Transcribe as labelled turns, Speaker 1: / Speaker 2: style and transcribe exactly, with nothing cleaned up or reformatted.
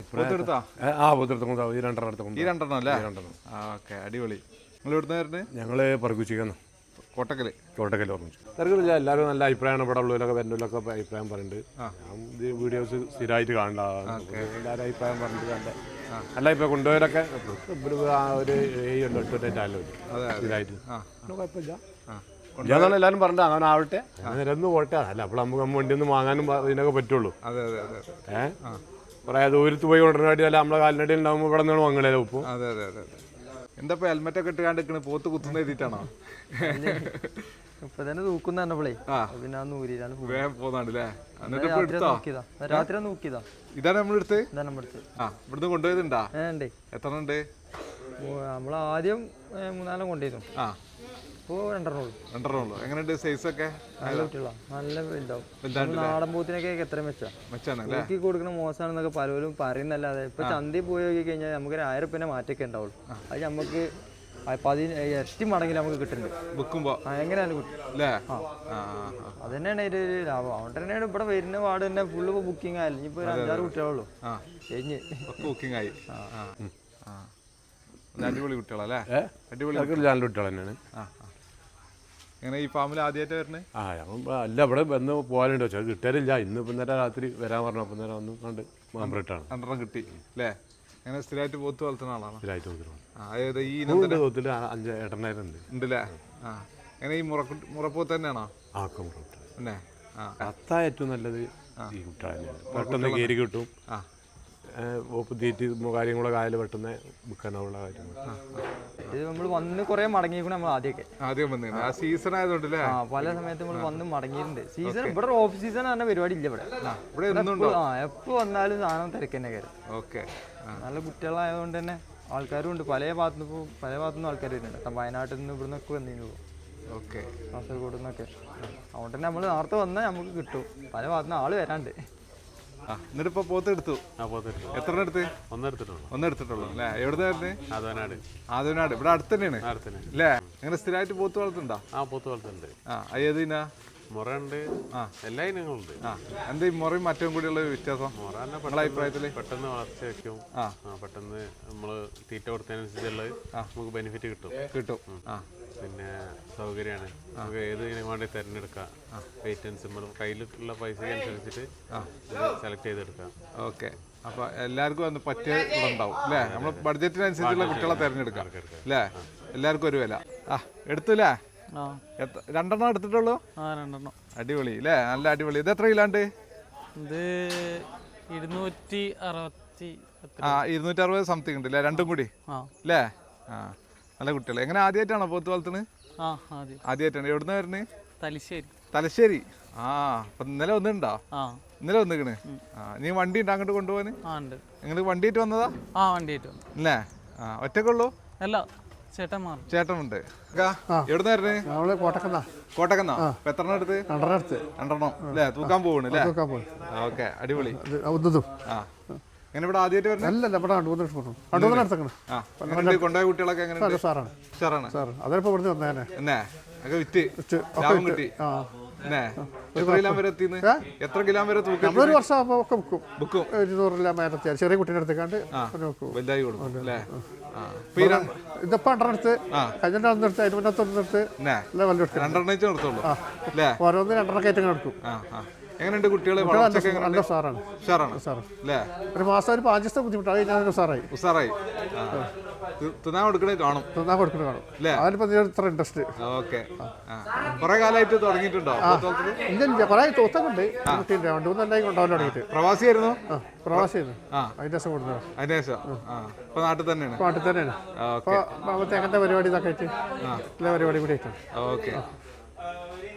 Speaker 1: ആ പുതിർത്തും ഈ രണ്ടെണ്ണം എടുത്തും
Speaker 2: ഈ രണ്ടെണ്ണം അല്ലേ? ഓക്കെ, അടിപൊളി. നിങ്ങൾ ഇവിടുന്ന് വരുന്നത്?
Speaker 1: ഞങ്ങൾ പറക്കുച്ചിക്കുന്നു,
Speaker 2: കോട്ടക്കൽ.
Speaker 1: കോട്ടക്കൽ ഓർമ്മിച്ചു. തിരക്കില്ല, എല്ലാവരും നല്ല അഭിപ്രായമാണ്. ഇവിടെ ഉള്ളവരൊക്കെ വരുന്നതിലൊക്കെ അഭിപ്രായം പറയുന്നുണ്ട്. ഞാൻ ഇത് വീഡിയോസ് സ്ഥിരമായിട്ട് കാണേണ്ടതാണ്. എല്ലാവരും അഭിപ്രായം പറഞ്ഞിട്ട് നല്ല നല്ല ഇപ്പം കൊണ്ടുപോയവരൊക്കെ ഒരു ഏഴ് ഉണ്ട് എട്ട് ചാനലും സ്ഥിരമായിട്ട് കുഴപ്പമില്ല. ഇല്ലാന്നാണ് എല്ലാവരും പറഞ്ഞത്. അങ്ങനെ ആവട്ടെ, നിരന്ന് പോട്ടെ. അല്ല അപ്പോൾ നമുക്ക് നമ്മൾ വണ്ടി ഒന്നും വാങ്ങാനും ഇതിനൊക്കെ പറ്റുള്ളൂ. ഏഹ് കുറേ ദൂരത്ത് പോയി കൊണ്ടുവരാനായിട്ട് അല്ല നമ്മളെ കാലിനടി ഉണ്ടാകുമ്പോൾ ഇവിടെ നിന്നാണ് വാങ്ങണേ ഉപ്പ്.
Speaker 2: അതെ അതെ അതെ. എന്താ ഇപ്പൊ ഹെൽമെറ്റ് ഒക്കെ ഇട്ട് കണ്ടിരിക്കണ പോത്ത് കുത്തുന്ന എഴുതിയിട്ടാണോ?
Speaker 3: ഇപ്പൊ തന്നെ തൂക്കുന്ന പറഞ്ഞപ്പോളേ പിന്നെ
Speaker 2: വേഗം പോന്നാണ്ടല്ലേ?
Speaker 3: രാത്രി നോക്കിയതാ.
Speaker 2: ഇതാണ് നമ്മളെടുത്ത് ആ ഇവിടുന്ന് കൊണ്ടുപോയതുണ്ടാ? എത്ര ഉണ്ട്?
Speaker 3: നമ്മള് ആദ്യം മൂന്നാലും കൊണ്ടുപോയിരുന്നു.
Speaker 2: ആ
Speaker 3: ഇപ്പൊ രണ്ടെണ്ണം ഉള്ളു.
Speaker 2: രണ്ടെണ്ണം ഉള്ളു. എങ്ങനെയുണ്ട് സൈസ് ഒക്കെ?
Speaker 3: നല്ല കുട്ടികളാ, നല്ല വലുതാവും. നാടൻ പോത്തിനൊക്കെ എത്ര മെച്ചാ
Speaker 2: മെച്ചാണ്
Speaker 3: നോക്കി കൊടുക്കുന്ന മോശമാണെന്നൊക്കെ പലരും പറയുന്നല്ലാതെ ഇപ്പൊ ചന്തയിൽ പോയി നോക്കി കഴിഞ്ഞാൽ നമുക്ക് ഒരു ആയിരം റുപ്യന്റെ മാറ്റൊക്കെ ഉണ്ടാവുള്ളൂ. അത് നമുക്ക് പതിന ഇരട്ടി മടങ്ങിൽ നമുക്ക് കിട്ടുന്നുണ്ട് വിൽക്കുമ്പോ. എങ്ങനെയാണ് കിട്ടും. അത് തന്നെയാണ് അതിന്റെ ഒരു ലാഭം. അതുകൊണ്ട് തന്നെയാണ് ഇവിടെ വരുന്ന വാർഡ് തന്നെ ഫുള്ള് ബുക്കിംഗ് ആയാലും ഇനിയിപ്പോ ഒരു അഞ്ചാറ് കുട്ടികളുള്ളൂ കഴിഞ്ഞ്
Speaker 2: ബുക്കിംഗ് ആയി. അടിപൊളി കുട്ടികളല്ലേ? അടിപൊളി
Speaker 1: കുട്ടികൾ തന്നെയാണ്.
Speaker 2: എങ്ങനെ ഈ ഫാമിൽ ആദ്യമായിട്ട് വരുന്നത്?
Speaker 1: ആ അല്ല, ഇവിടെ വന്ന് പോകാനുണ്ടോ വെച്ചാൽ കിട്ടാനില്ല. ഇന്ന് ഇപ്പം നേരം രാത്രി വരാൻ പറഞ്ഞു. അപ്പം നേരം വന്ന് കണ്ട് മെമ്പറിട്ടാണ്
Speaker 2: രണ്ടെണ്ണം കിട്ടി അല്ലേ? അങ്ങനെ സ്ഥിരമായിട്ട് പോത്ത് വളർത്തുന്ന ആളാണ്?
Speaker 1: സ്ഥിരമായിട്ട് പോത്തിട്ടുണ്ട്.
Speaker 2: അതായത് ഈ
Speaker 1: പോത്തിൽ അഞ്ച് എട്ടെണ്ണായിരം ഉണ്ട്
Speaker 2: ഉണ്ടല്ലേ? ആ എങ്ങനെ ഈ മുറ മുറപ്പോത്ത് തന്നെയാണോ?
Speaker 1: ആ ഒക്കെ മുറപ്പോത്ത്
Speaker 2: പിന്നെ. ആ
Speaker 1: അത്താ ഏറ്റവും നല്ലത് ഈ കുട്ട തന്നെയാണ്. പെട്ടെന്ന് കയറി കിട്ടും.
Speaker 2: ആ
Speaker 1: ഓപ്പ് തീറ്റി കാര്യങ്ങളൊക്കെ ആയാലും പെട്ടെന്ന് വിൽക്കാനുള്ള കാര്യങ്ങൾ.
Speaker 3: ഇത് നമ്മൾ വന്ന് കുറെ മടങ്ങിയിരിക്കണം. നമ്മൾ ആദ്യമൊക്കെ
Speaker 2: ആദ്യം വന്നു ആ സീസൺ ആയതുകൊണ്ടല്ലേ?
Speaker 3: ആ പല സമയത്ത് നമ്മൾ വന്ന് മടങ്ങിയിട്ടുണ്ട്. സീസൺ ഇവിടെ ഓഫ് സീസൺ പറഞ്ഞ പരിപാടി ഇല്ല ഇവിടെ. ആ എപ്പോൾ വന്നാലും സാധനം തിരക്ക് തന്നെ കയറും.
Speaker 2: ഓക്കെ,
Speaker 3: നല്ല കുട്ടികളായതുകൊണ്ട് തന്നെ ആൾക്കാരും ഉണ്ട്. പല ഭാഗത്തുനിന്ന് ഇപ്പോൾ പല ഭാഗത്തുനിന്ന് ആൾക്കാർ വരുന്നുണ്ട്. വയനാട്ടിൽ നിന്ന് ഇവിടെ നിന്നൊക്കെ വന്നിരുന്നു.
Speaker 2: ഓക്കെ,
Speaker 3: കാസർഗോഡ് നിന്നൊക്കെ. അതുകൊണ്ട് തന്നെ നമ്മൾ നേരത്തെ വന്നാൽ നമുക്ക് കിട്ടും. പല ഭാഗത്തുനിന്ന് ആള് വരാണ്ട്.
Speaker 2: എന്നിട്ടിപ്പോ പോത്ത് എടുത്തു? എത്ര എടുത്ത്?
Speaker 1: ഒന്നെടുത്തിട്ടുള്ളൂ.
Speaker 2: ഒന്നെടുത്തിട്ടുള്ളൂ അല്ലേ? എവിടുന്നായിരുന്നു?
Speaker 1: ആദവനാട്.
Speaker 2: ആദവനാട് ഇവിടെ അടുത്ത് തന്നെയാണ് അല്ലേ? അങ്ങനെ സ്ഥിരമായിട്ട് പോത്ത് വളർത്തുണ്ടോ?
Speaker 1: ആ പോത്ത് വളർത്തുന്നുണ്ട്.
Speaker 2: ആ ഏതിനാ?
Speaker 1: മുറയുണ്ട്. ആ എല്ലാ ഇനങ്ങളുണ്ട്.
Speaker 2: ആ എന്താ ഈ മുറയും മറ്റവും കൂടിയുള്ള വ്യത്യാസം നിങ്ങളുടെ അഭിപ്രായത്തില്?
Speaker 1: പെട്ടെന്ന് വളർച്ച വെക്കും. ആ പെട്ടെന്ന് നമ്മള് തീറ്റ കൊടുത്തതിനനുസരിച്ചുള്ള നമുക്ക് ബെനിഫിറ്റ് കിട്ടും
Speaker 2: കിട്ടും ആ
Speaker 1: പിന്നെ സൗകര്യമാണ്. നമുക്ക് ഏത് ഇനം വേണ്ടി തിരഞ്ഞെടുക്കാം. വെയിറ്റൻസ് നമ്മൾ കയ്യിലുള്ള പൈസയ്ക്ക് അനുസരിച്ചിട്ട് സെലക്ട് ചെയ്തെടുക്കാം.
Speaker 2: ഓക്കെ, അപ്പൊ എല്ലാവർക്കും ഒന്ന് പറ്റിയ ഉണ്ടാവും അല്ലേ? നമ്മൾ ബഡ്ജറ്റിനനുസരിച്ചുള്ള കുട്ടികളെ തിരഞ്ഞെടുക്കാം അല്ലേ? എല്ലാവർക്കും ഒരു വില. ആ എടുത്തില്ലേ? രണ്ടെണ്ണം എടുത്തിട്ടുള്ളൂ?
Speaker 3: രണ്ടെണ്ണം.
Speaker 2: അടിപൊളി അല്ലേ? നല്ല അടിപൊളി. ഇത് എത്ര കിലോണ്ട്?
Speaker 3: ഇത് ഇരുന്നൂറ്റി അറുപത്തി
Speaker 2: ആ ഇരുന്നൂറ്റി അറുപത് സംതിങ് ഉണ്ട് അല്ലേ? രണ്ടും കൂടി അല്ലേ? ആ നല്ല കുട്ടികൾ. എങ്ങനെ ആദ്യമായിട്ടാണോ പോത്ത് വളർത്തുന്നത്? ആദ്യമായിട്ടാണ്. എവിടുന്ന് വരുന്നത്?
Speaker 3: തലശ്ശേരി.
Speaker 2: തലശ്ശേരി. ആ അപ്പൊ ഇന്നലെ വന്നിട്ടുണ്ടോ? ഇന്നലെ വന്നിക്കണ്. ആ നീ വണ്ടി ഉണ്ട് അങ്ങോട്ട് കൊണ്ടുപോകാന്? നിങ്ങൾ വണ്ടിയിട്ട് വന്നതാ?
Speaker 3: ആ വണ്ടിയിട്ട്
Speaker 2: അല്ലേ? ആ ഒറ്റക്കുള്ളൂ?
Speaker 3: അല്ല, ചേട്ടന്മാർ ചേട്ടനുണ്ട്.
Speaker 2: എവിടുന്ന് വരുന്നത്?
Speaker 4: കോട്ടക്കന്നാ.
Speaker 2: കോട്ടക്കന്നാ. അപ്പൊ എത്ര എണ്ണം എടുത്ത്?
Speaker 4: രണ്ടെണ്ണം എടുത്ത്.
Speaker 2: രണ്ടെണ്ണം അല്ലേ? തൂക്കാൻ പോകണ് അല്ലേ? ഓക്കെ, അടിപൊളി. ആ എങ്ങനെ ഇവിടെ ആദ്യമായിട്ട് വരുന്നത്?
Speaker 4: അല്ലല്ല, ഇവിടെ
Speaker 2: കൊണ്ടുപോയ കുട്ടികളൊക്കെ എങ്ങനെ?
Speaker 4: സാറാണ്
Speaker 2: സാറാണ്
Speaker 4: സാർ. അതിപ്പോ ഇവിടുന്ന് വന്നേനെ
Speaker 2: എന്നേ ഒക്കെ വിറ്റ് ലാഭം കിട്ടി. എത്ര കിലോ വരെ എത്തിന്ന്? എത്ര കിലോ വരെ തൂക്കം?
Speaker 4: ഒരു വർഷം ആകുമ്പോ ഒക്കെ ബുക്കും
Speaker 2: ബുക്കും
Speaker 4: ഇരുന്നൂറില്ല മേലെത്തിയാൽ ചെറിയ കുട്ടീനെ എടുത്തേക്കാണ്ട്
Speaker 2: വലുതായി കൊടുക്കും അല്ലേ?
Speaker 4: ഇതിപ്പോ രണ്ടെണ്ണം എടുത്ത് കഴിഞ്ഞ ഒന്നെടുത്ത് അതിന് മുന്നത്തെ ഒന്നെടുത്ത്
Speaker 2: രണ്ടെണ്ണം നിർത്തുള്ളൂ അല്ലേ?
Speaker 4: ഓരോന്ന് രണ്ടെണ്ണം കയറ്റങ്ങൾ എടുക്കും.
Speaker 2: എങ്ങനെയുണ്ട് കുട്ടികളെ?
Speaker 4: നല്ല സാറാണ്. ഒരു മാസം ഒരു പാഞ്ച് ദിവസം ബുദ്ധിമുട്ടാണ്. ഞാൻ ഉസാറായി ഉസാറായി
Speaker 2: തിന്നാൻ കൊടുക്കണേ കാണും.
Speaker 4: തിന്നാൻ കൊടുക്കണേ കാണും. അതിനിപ്പോ ഇത്ര ഇൻട്രസ്റ്റ്.
Speaker 2: ഓക്കെ, കുറെ കാലമായിട്ട് തുടങ്ങിയിട്ടുണ്ടോ?
Speaker 4: ഇല്ല ഇല്ല, കുറെ തോത്തൊക്കെ രണ്ട് മൂന്നെല്ലാം കൊണ്ടുപോകാൻ തുടങ്ങിയിട്ട്.
Speaker 2: പ്രവാസിയായിരുന്നു?
Speaker 4: പ്രവാസിയായിരുന്നു. അതിന്റെ ശേഷം കൊടുത്തത്.
Speaker 2: അതിന്റെ ശേഷം ഇപ്പൊ നാട്ടിൽ തന്നെയാണ്?
Speaker 4: നാട്ടിൽ തന്നെയാണ്. അപ്പൊ തേങ്ങന്റെ പരിപാടി ഇതൊക്കെ ആയിട്ട് എല്ലാ പരിപാടി കൂടി ആയിട്ടാണ്.
Speaker 2: ഓക്കെ,